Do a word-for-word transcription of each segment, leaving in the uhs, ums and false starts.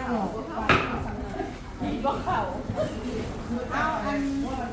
เอาอัน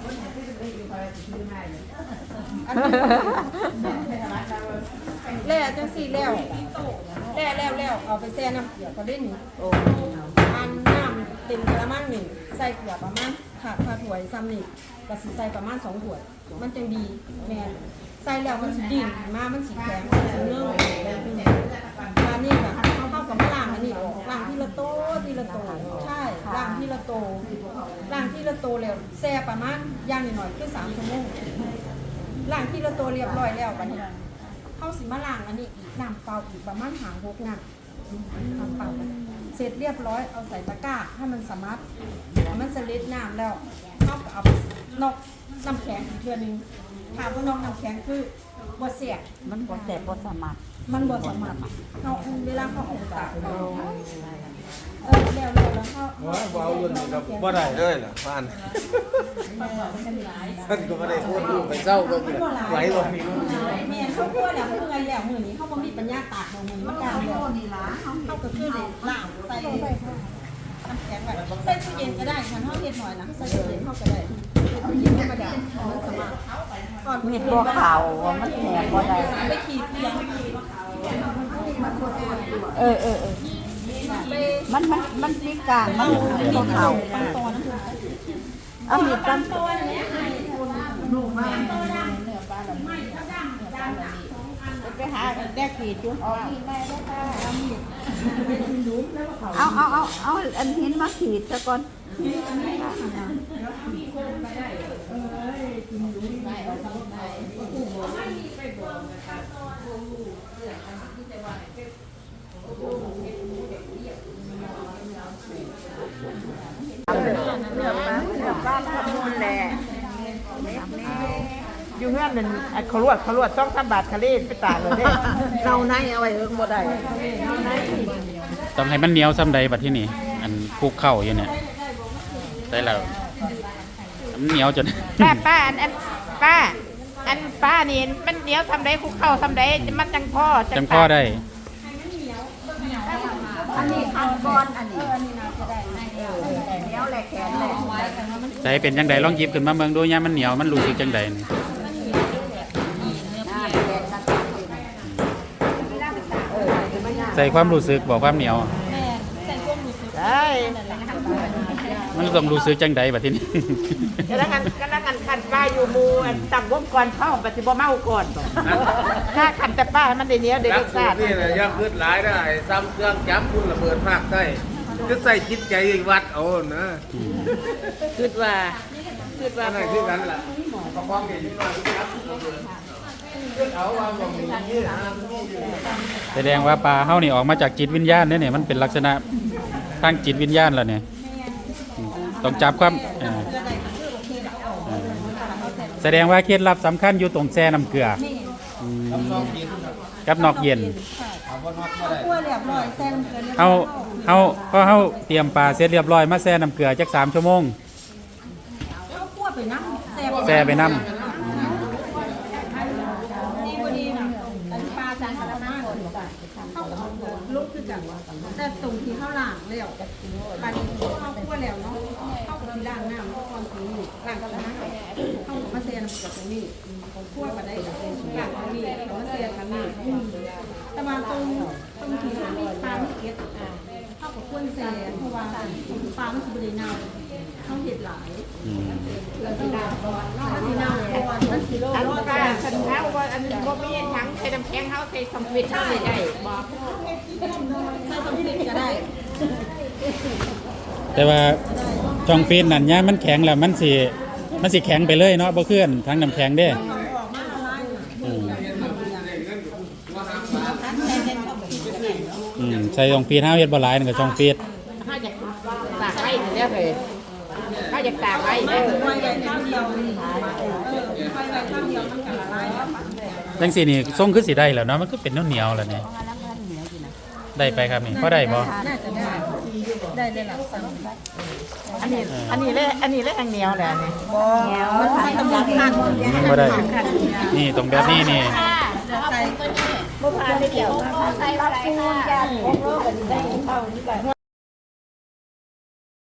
แล้วจังสี่แล้วแล้วแล้วแล้วเอาไปแช่น้ำเกลือก็ได้หนึ่งอันน้ำเต็มกระมังหนึ่งใส่เกลือประมาณขาดขาถ้วยซ้ำนี่ก็สิใส่ประมาณสองถ้วยมันจังดีแม่ใส่แล้วมันสิดิ่งมามันสิแข็งมันสิเนื้ออันนี้ค่ะเขาเข้ากับมะล่างอันนี้ล่างที่ละโตที่ละโตใช่ล่างที่ละโตล่างที่ละโตแล้วแช่ประมาณย่างหน่อยๆคือสามชั่วโมงล่างที่ละโตเรียบร้อยแล้วบัดนี้เข้าสิมาล่างอันนี้อีกน้ำเปล่าอีกประมาณหางหกน้ำน้ำเปล่าเสร็จเรียบร้อยเอาใส่ตะกร้าให้มันสามารถมันสลิดน้ำแล้วเอาเอานอกน้ำแข็งอีกเทื่อนึงถามว่านอกน้ำแข็งคือบ่เสียมันบ่แสบบ่สามารถมันบ่สามารถเขาเวลาเขาออกตากเออแล้วแล้วแล้วเขาว้าววุ่นกับบ่ได้เลยล่ะบ้านท่านก็ไม่ได้พูดดูไปเศร้าก็คือไหวบ่มีแม่เขากลัวแล้วเมื่อไงแล้วมื้อนี้เขาบ่มีปัญญาตากมื้อนี้มันกลางแล้วนี่ล่ะเขาก็คือได้ล้างใส่น้ำแข็งไว้ใส่ตู้เย็นก็ได้ฉันเฮาเฮ็ดหน่อยนะใส่ตู้เย็นเฮาก็ได้ตู้เย็นธรรมดามันสามารถก่อนเม็ดบ่ขาวมันแหนบ่ได้ไปขีดเตียงเออเออเออมันมันมันมีกลางมันบ่ขาวเอามีดตั้งไปหาแดกขีดจุเอาเอาเอาเอาอันหินมาขีดซะก่อนอยู่เงื่อนนั่นเขาลวดเขาลวดต้องสามบาทคาเล่ไปตากเลยเด้เนาในเอาไว้เอิ้งบ่ได้ต้องให้มันเหนียวซ้ำใดบัดที่นี่อันคลุกเข้าอยู่เนี่ยได้แล้วมันเหนียวจนป้าป้าอันอันป้าอันป้านี่มันเหนียวทำได้คุกเข้าทำได้มันจังพ่อจังพ่อได้อันนี้อันก้อนอันนี้อันนี้น่าจะได้เหนียวแหลกแขนแหลกใส่เป็นจังใดลองหยิบขึ้นมาเบิ่งดูยามมันเหนียวมันรู้สึกจังใดนี่ใส่ความรู้สึกบอกความเหนียวได้มันต้องรู้สึกจังใดบัดที่นี่แล้วกันก็แล้วกันขันป้าอยู่มูอันต่ำวงก่อนเข้าปฏิบัติเมาก่อนถ้าขันแต่ป้าให้มันได้เหนียวได้รสชาตินี่แหละยักษ์ขึ้นหลายได้ซ้ำเครื่องจับคุณระเบิดภาคใต้ก็ใส่จิตใจวัดเอานะคิดว่าคิดว่าอะไรคือกันล่ะประคองเห็นนิดหน่อยครับเอาว่าบ่มีนี่นะแสดงว่าปลาเฮานี่ออกมาจากจิตวิญญาณเนี่ยมันเป็นลักษณะทางจิตวิญญาณแล้วเนี่ยต้องจับความแสดงว่าเคล็ดลับสำคัญอยู่ตรงแช่น้ำเกลือกับนอกเย็นเฮาเฮาพอเฮาเตรียมปลาเสร็จเรียบร้อยมาแช่น้ำเกลือจักสามชั่วโมงแช่ไปน้ำลุกคือจังแต่ตรงที่เขาล้างแล้วปานนี้เขาคั่วแล้วเนาะเขาก็สิล้างน้ำก่อนถึงนี่ล้างกับน้ำเขามาเสียน้ำกับตรงนี้คั่วมาได้ล้างตรงนี้เขามาเสียกันนี่แต่มาตรงตรงที่เขามีปลาไม่เก็ตเขาก็ควรเสียเพราะว่าปลามันสิบริเนาเขาเห็ดหลายแล้วต้องล้างก่อนมันสิเน่าก่อนมันสิโลอันปลาคันเท้าว่าอันบ่มีทั้งใส่น้ำแข็งเขาใส่สมิธเขาเลยได้บ่ใส่สมิธก็ได้แต่ว่าช่องฟีนนั่นเนี่ยมันแข็งแล้วมันสิมันสิแข็งไปเลยเนาะบ่เคลื่อนทั้งน้ำแข็งเด้อืมใส่ช่องฟีนเฮาเฮ็ดบ่หลายนั่นก็ช่องฟีนเฮาจะตากไว้เด้อเฮ้ยเฮาจะตากไว้เด้อไว้ไว้ข้าวเดียวเออไว้ไว้ข้าวเดียวมันก็ละลายแล้วจังซี่นี่ทรงคือสิได้แล้วเนาะมันก็เป็นเหนียวๆแล้วนี่ได้ไปครับนี่พอได้บ่น่าจะได้ได้เลยล่ะอันนี้อันนี้เลยอันนี้เลยอันเหนียวแหละนี่บ่เหนียวมันต้องมีขั้นบ่ได้นี่ตรงแบบนี้นี่ใส่บ่พาไปเกี่ยวใส่ปลาปูนจ้าโอ้โหได้เท่านี้ก็